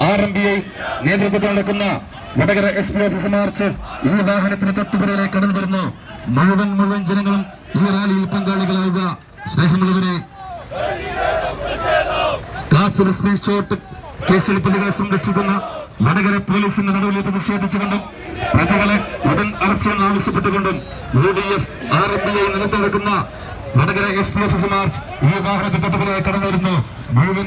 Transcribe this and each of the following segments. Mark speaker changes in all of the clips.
Speaker 1: RMBI നേതൃത്വത്തിൽ നടക്കുന്ന Vadakara SP office March ഈ വാഹനത്തിന് തൊട്ടുപിറകിലേക്ക് കടന്നു വരുന്നു. മുഴുവൻ ജനങ്ങളും ഈ റാലിയിൽ പങ്കാളികളാവുക. സ്നേഹമുള്ളവരെ, കാഫിർ സ്ക്രീൻഷോട്ട് കേസിൽ പ്രതികളെ സംരക്ഷിക്കുന്ന വടകര പോലീസിന്റെ നടപടിയിൽ പ്രതിഷേധിച്ചുകൊണ്ടും പ്രതികളെ ഉടൻ അറസ്റ്റ് ആവശ്യപ്പെട്ടുകൊണ്ടും UDF RMBI നേതൃത്വം നടക്കുന്ന വടകര SP ഓഫീസ് മാർച്ച് ഈ വാഹനത്തിൽ തൊട്ടുപിറകിലേക്ക് കടന്നു വരുന്നു. മുഴുവൻ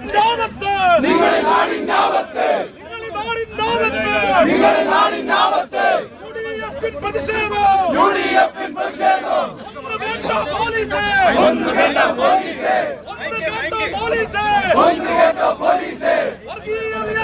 Speaker 2: നിങ്ങളുടെ നാടിൻ